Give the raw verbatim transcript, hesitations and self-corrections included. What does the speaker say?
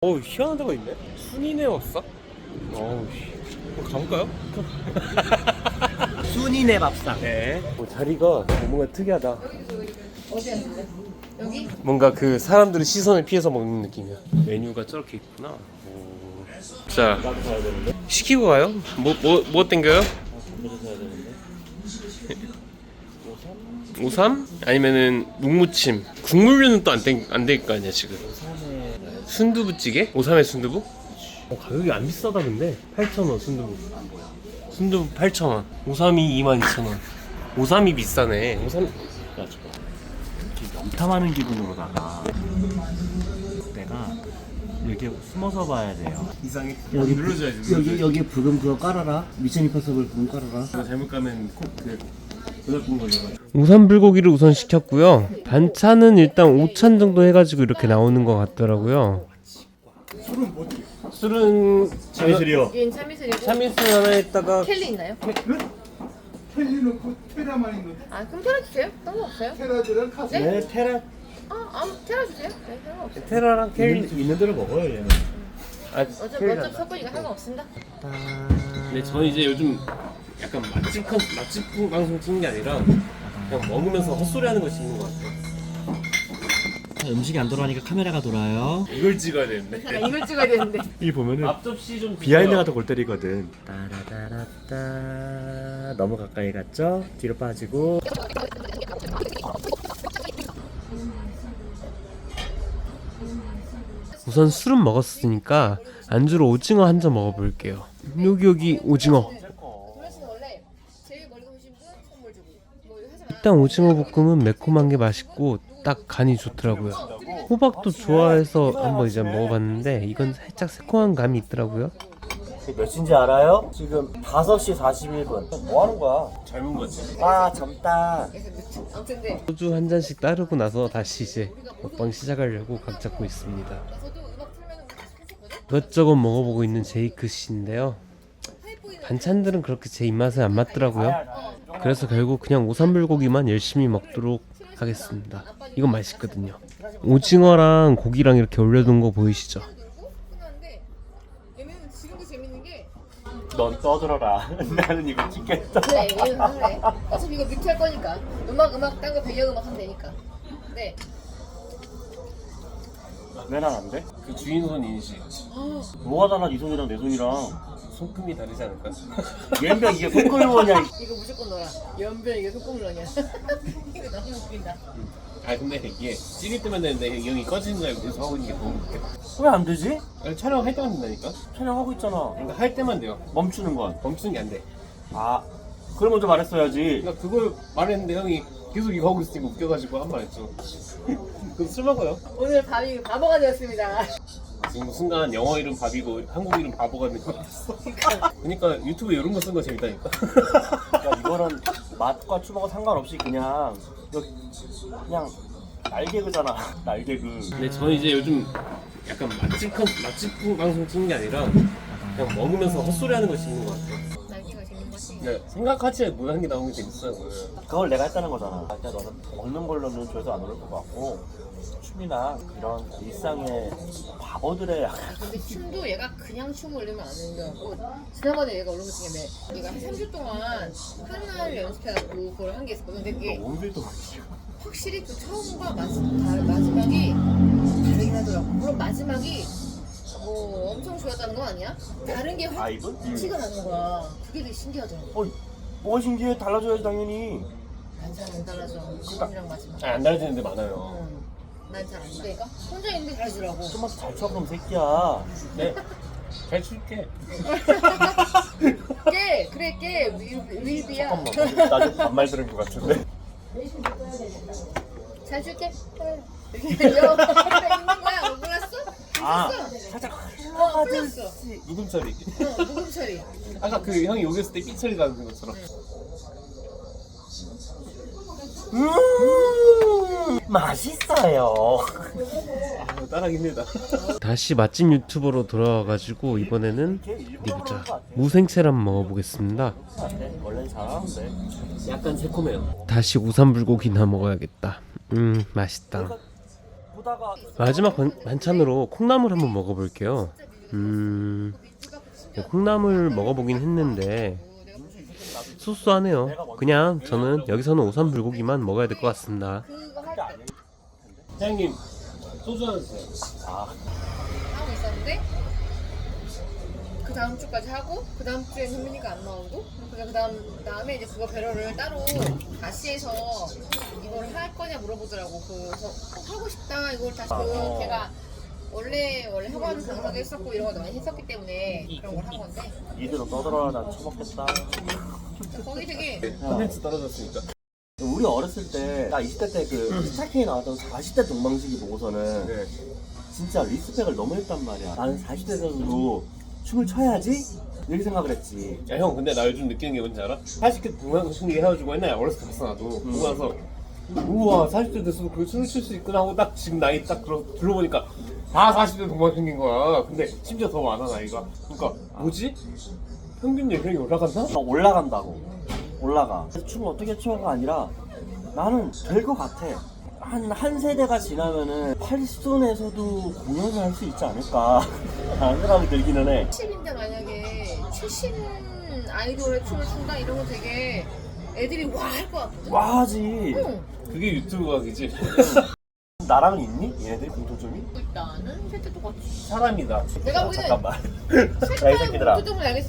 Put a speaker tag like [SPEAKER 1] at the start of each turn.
[SPEAKER 1] 어우, 희한한 데가 있네. 순이네 왔어? 어우 씨. 한번 가볼까요?
[SPEAKER 2] 순이네 밥상.
[SPEAKER 1] 네. 어, 자리가 뭔가 특이하다.
[SPEAKER 3] 어디 앉을래? 여기?
[SPEAKER 1] 뭔가 그 사람들의 시선을 피해서 먹는 느낌이야. 메뉴가 저렇게 있구나. 오. 자,
[SPEAKER 2] 나도 가야 되는데.
[SPEAKER 1] 시키고 가요? 뭐, 뭐, 뭐 땡겨요?
[SPEAKER 2] 이거 사야 되는데.
[SPEAKER 1] 오삼? 아니면은 묵무침. 국물류는 또 안 땡, 안 될 거 아니야, 지금.
[SPEAKER 2] 오삼에
[SPEAKER 1] 순두부찌개? 오삼에 순두부? 어, 가격이 안 비싸다, 근데. 팔천 원, 순두부. 순두부 팔천 원. 오삼이 이만 이천 원. 오삼이 비싸네. 오삼.
[SPEAKER 2] 야 저거 이렇게 염탐하는 기분으로다가 내가 이렇게 숨어서 봐야 돼요.
[SPEAKER 1] 이상해.
[SPEAKER 2] 여기
[SPEAKER 1] 눌러줘야지.
[SPEAKER 2] 여기 여기 부금 그거 깔아라. 미션 임파서블 부금 깔아라.
[SPEAKER 1] 이거 잘못 가면 콕그 전화번 걸려가지고. 우선 불고기를 우선 시켰고요. 반찬은 일단 오찬 정도 해가지고 이렇게 나오는 것 같더라고요. 술은 뭐? 술은
[SPEAKER 2] 참이슬이요.
[SPEAKER 3] 얘는 참이슬이고
[SPEAKER 1] 참이슬 하나에다가
[SPEAKER 3] 켈리 있나요?
[SPEAKER 4] 텔리 넣고 테라만 있는
[SPEAKER 3] 아 그럼 테라 주세요. 상관없어요.
[SPEAKER 4] 테라들은 카스
[SPEAKER 3] 네?
[SPEAKER 2] 네 테라
[SPEAKER 3] 아 아무 테라 주세요. 네 상관없어요.
[SPEAKER 1] 테라랑 켈리.
[SPEAKER 2] 있는, 있는 대로 먹어요 얘는.
[SPEAKER 1] 아,
[SPEAKER 3] 어차피
[SPEAKER 1] 켈리
[SPEAKER 3] 어차피
[SPEAKER 1] 난다.
[SPEAKER 3] 섞으니까 상관없습니다.
[SPEAKER 1] 근데 저는 이제 요즘 약간 맛집 컨 맛집 방송 찍는 게 아니라 그냥 먹으면서 헛소리하는 걸 찍는 것 같아요.
[SPEAKER 2] 음식이 안 돌아가니까 카메라가 돌아요.
[SPEAKER 1] 이걸 찍어야 되는데.
[SPEAKER 3] 아, 이걸 찍어야 되는데.
[SPEAKER 2] 이 보면은
[SPEAKER 1] 앞접시 좀
[SPEAKER 2] 비하인드가 더 골 때리거든. 따라따라따 너무 가까이 갔죠? 뒤로 빠지고.
[SPEAKER 1] 우선 술은 먹었으니까 안주로 오징어 한 점 먹어볼게요. 여기 여기 오징어.
[SPEAKER 3] 도현 원래 제일 멀리 오신 분 선물 주고 뭐 이거 하지 마.
[SPEAKER 1] 일단 오징어 볶음은 매콤한 게 맛있고 딱 간이 좋더라고요. 호박도 좋아해서 한번 이제 먹어봤는데 이건 살짝 새콤한 감이 있더라고요.
[SPEAKER 2] 몇 시인지 알아요? 지금 다섯 시 사십일 분. 뭐 하는 거야?
[SPEAKER 1] 젊은 거지.
[SPEAKER 2] 아 젊다.
[SPEAKER 3] 아무튼 근데
[SPEAKER 1] 소주 한 잔씩 따르고 나서 다시 이제 먹방 시작하려고 각 잡고 있습니다.
[SPEAKER 3] 저도 음악 틀면은 했었거든.
[SPEAKER 1] 이것저것 먹어보고 있는 제이크 씨인데요. 반찬들은 그렇게 제 입맛에 안 맞더라고요. 그래서 결국 그냥 오삼불고기만 열심히 먹도록 하겠습니다. 이건 맛있거든요. 오징어랑 고기랑 이렇게 올려둔 거 보이시죠?
[SPEAKER 3] 놀고 끝났는데 얘는 지금도 재밌는 게
[SPEAKER 2] 넌 떠들어라. 나는 이거 찍겠다.
[SPEAKER 3] 그래 얘는 그래. 어차피 이거 뮤트 할 거니까 음악 음악 딴 거 배경음악 하면 되니까. 네.
[SPEAKER 2] 왜난 안 돼?
[SPEAKER 1] 그 주인손 인식.
[SPEAKER 2] 뭐가 달라 네 손이랑 내 손이랑.
[SPEAKER 1] 손금이 다르지 않을까?
[SPEAKER 2] 얘가 이게 손걸로냐?
[SPEAKER 3] 이거 무조건 넣어라. 연변 이게 소꿉물러냐. 이거 너무 웃긴다.
[SPEAKER 1] 아 근데 이게 찍을 때만 되는데 이 형이 꺼지는 줄 알고 계속 하고 있는 게 너무 웃겨.
[SPEAKER 2] 왜 안 되지?
[SPEAKER 1] 아니, 촬영할 때만 된다니까?
[SPEAKER 2] 촬영하고 있잖아.
[SPEAKER 1] 그러니까 할 때만 돼요.
[SPEAKER 2] 멈추는 건.
[SPEAKER 1] 멈추는 게 안 돼.
[SPEAKER 2] 아, 그걸 먼저 말했어야지.
[SPEAKER 1] 그러니까 그걸 말했는데 형이 계속 이거 하고 있으니까 웃겨가지고 한 말 했죠. 그럼 술 먹어요?
[SPEAKER 3] 오늘 밤이 바보가 되었습니다.
[SPEAKER 1] 지금 순간 영어 이름 밥이고 한국 이름 바보가 된 거 같았어. 그러니까 유튜브에 이런 거 쓴 거 재밌다니까.
[SPEAKER 2] 그러니까 이거는 맛과 추모가 상관없이 그냥 이거 그냥 날개그잖아. 날개그.
[SPEAKER 1] 근데 저는 이제 요즘 약간 맛집 컨 맛집 방송 찍는 게 아니라 그냥 먹으면서 헛소리하는 걸 찍는 것 같아요.
[SPEAKER 3] 날개가 재밌는 거지.
[SPEAKER 1] 그러니까 생각하지 못한 게 나오는 게 재밌어요.
[SPEAKER 2] 그걸 내가 했다는 거잖아. 일단 너는 먹는 걸로는 조회수 안 오를 것 같고 춤이나 이런 일상의 바보들의
[SPEAKER 3] 아, 근데 춤도 얘가 그냥 춤을 올리면 안 되는 게 같고 지난번에 얘가 올린 것 중에 얘가 한 삼 주 동안 하나를 연습해갖고 그걸 한 게 있었거든. 근데 그게
[SPEAKER 2] 오늘도
[SPEAKER 3] 확실히 그 처음과 마지, 다, 마지막이 다르긴 하더라고. 물론 마지막이 뭐 엄청 좋았다는 건 아니야? 다른 게 확
[SPEAKER 2] 바이브?
[SPEAKER 3] 티가 나는 거야. 그게 되게 신기하더라고.
[SPEAKER 2] 어, 뭐가 신기해? 달라져야지 당연히.
[SPEAKER 3] 난 잘 안 달라져. 처음이랑 마지막.
[SPEAKER 1] 안 달라지는 데 많아요.
[SPEAKER 3] 응. 난 잘 안 되니까 혼자 있는데 달라지더라고.
[SPEAKER 2] 좀만 더 잘 쳐 그럼 새끼야.
[SPEAKER 1] 네. 잘 출게.
[SPEAKER 3] 깨! 그래 깨! 윌, 윌비야.
[SPEAKER 2] 잠깐만. 나좀 반말 들은 것 같은데.
[SPEAKER 3] 잘 줄게. 이렇게 여 있는 거야. 못 몰랐어?
[SPEAKER 2] 아,
[SPEAKER 3] 몰랐어?
[SPEAKER 2] 살짝
[SPEAKER 3] 어, 풀렸어.
[SPEAKER 1] 누금 처리.
[SPEAKER 3] 어, 무금 처리.
[SPEAKER 1] 아까 그 형이 여기였을 때 삐 처리 가는 것처럼.
[SPEAKER 2] 음, 맛있어요.
[SPEAKER 1] 아, 따라하기 힘들다. 다시 맛집 유튜버로 돌아와가지고 이번에는 어디 보자. 무생채를 한번 먹어보겠습니다.
[SPEAKER 2] 원래 잘하는데.
[SPEAKER 1] 약간 새콤해요.
[SPEAKER 2] 뭐
[SPEAKER 1] 다시 우삼불고기나 먹어야겠다. 음 맛있다.
[SPEAKER 2] 보다가
[SPEAKER 1] 마지막 반, 반찬으로 콩나물 한번 먹어볼게요. 음, 네, 콩나물 먹어보긴 했는데 소소하네요. 그냥 저는 여기서는 오삼 불고기만 먹어야 될 것 같습니다.
[SPEAKER 3] 그거 할 때
[SPEAKER 1] 사장님 소주 하나 주세요.
[SPEAKER 2] 아
[SPEAKER 3] 하고 있었는데 그 다음 주까지 하고 그 다음 주에 현민이가 안 나오고 그래서 그 다음 다음에 이제 그거 배럴을 따로 다시 해서 이걸 할 거냐 물어보더라고. 그래서 꼭 하고 싶다 이걸 다시 그 걔가 원래 원래 학원 강사도 했었고 이런 거 많이 했었기 때문에 그런 걸 한 건데
[SPEAKER 2] 이대로 떠들어라 난 처먹겠다.
[SPEAKER 3] 거기 되게
[SPEAKER 1] 컨텐츠 떨어졌으니까.
[SPEAKER 2] 우리 어렸을 때 나 이십 대 때 그 스타킹에 나왔던 사십 대 동방신기 보고서는
[SPEAKER 1] 네.
[SPEAKER 2] 진짜 리스펙을 너무 했단 말이야. 나는 사십 대에서도 춤을 춰야지? 이렇게 생각을 했지.
[SPEAKER 1] 야 형 근데 나 요즘 느끼는 게 뭔지 알아? 사십 대 동양신기 해가지고 옛날에 어렸을 때 봤어 나도
[SPEAKER 2] 음.
[SPEAKER 1] 보고 나서 우와 사십 대 됐어도 그 춤을 출 수 있구나 하고 딱 지금 나이 딱 들어, 들어보니까 다 사십 대 동양신기인 거야. 근데 심지어 더 많아 나이가. 그러니까 뭐지? 평균 연령이 올라갔나?
[SPEAKER 2] 어, 올라간다고. 올라가. 그래서 춤을 어떻게 춰가 아니라 나는 될 것 같아. 한, 한 세대가 지나면은 팔순에서도 공연을 할 수 있지 않을까 라는 생각이 들기는 해.
[SPEAKER 3] 칠십인데 만약에 최신 아이돌의 춤을 춘다 이러면 되게 애들이 와 할 것 같거든.
[SPEAKER 2] 와 하지.
[SPEAKER 3] 응.
[SPEAKER 1] 그게 유튜브 각이지.
[SPEAKER 2] 나랑은 있니? 얘네들이 공통점이?
[SPEAKER 3] 일단은 셋째 똑같이.
[SPEAKER 1] 사람이다.
[SPEAKER 3] 내가
[SPEAKER 2] 어,
[SPEAKER 3] 보기에는
[SPEAKER 2] 잠깐만. 야, 이 새끼들아.
[SPEAKER 3] 공통점을 알겠어.